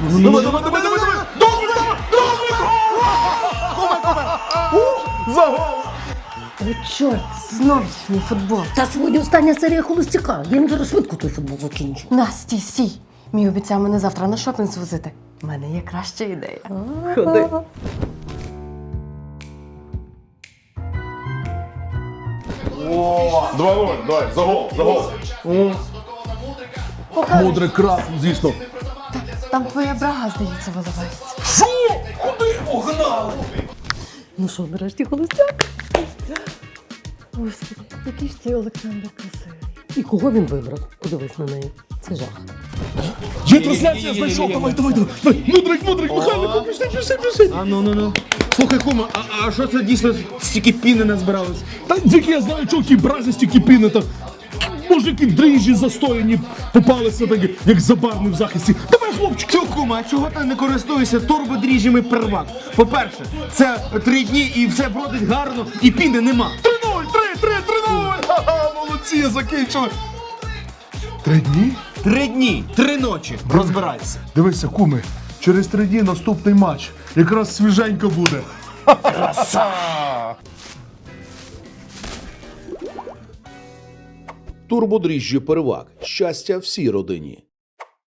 Давай, давай, давай, давай, давай! За гол! О, чорт, знов мій футбол. Та сьогодні остання серія холостяка. Я їм зараз швидко той футбол закінчу. Настя, стій. Мій обіцяв мене завтра на шопінг звозити. У мене є краща ідея. Ходи. 2-0, давай, за гол, за гол. Мудрик красний, звісно. Там твоя брага, здається, виливається. Що? Куди погнали? Ну що, нарешті холостяк? Господи, який ж цей Олександр красивий. І кого він вибрав? Подивись на неї. Це жах. Є трансляція, знайшов, давай, давай, давай. Мудрик, Михайло, пішли. Ну. Слухай, кума, а що це дійсно стільки піни назбиралось? Та тільки я знаю, чого ті брази стільки піни там. Може, які дріжджі застояні попалися, так, як забарний в захисті. Давай, хлопчик. Чого, кума, а чого ти не користуєшся турбодріжджами первак? По-перше, це 3 дні і все бродить гарно, і піни нема. 3-0, 3-0. Ха-ха, молодці, закінчили. 3 дні? 3 дні, 3 ночі. Розбирайся. Дивися, куми, через 3 дні наступний матч. Якраз свіженько буде. Турбодріжджі первак. Щастя всій родині.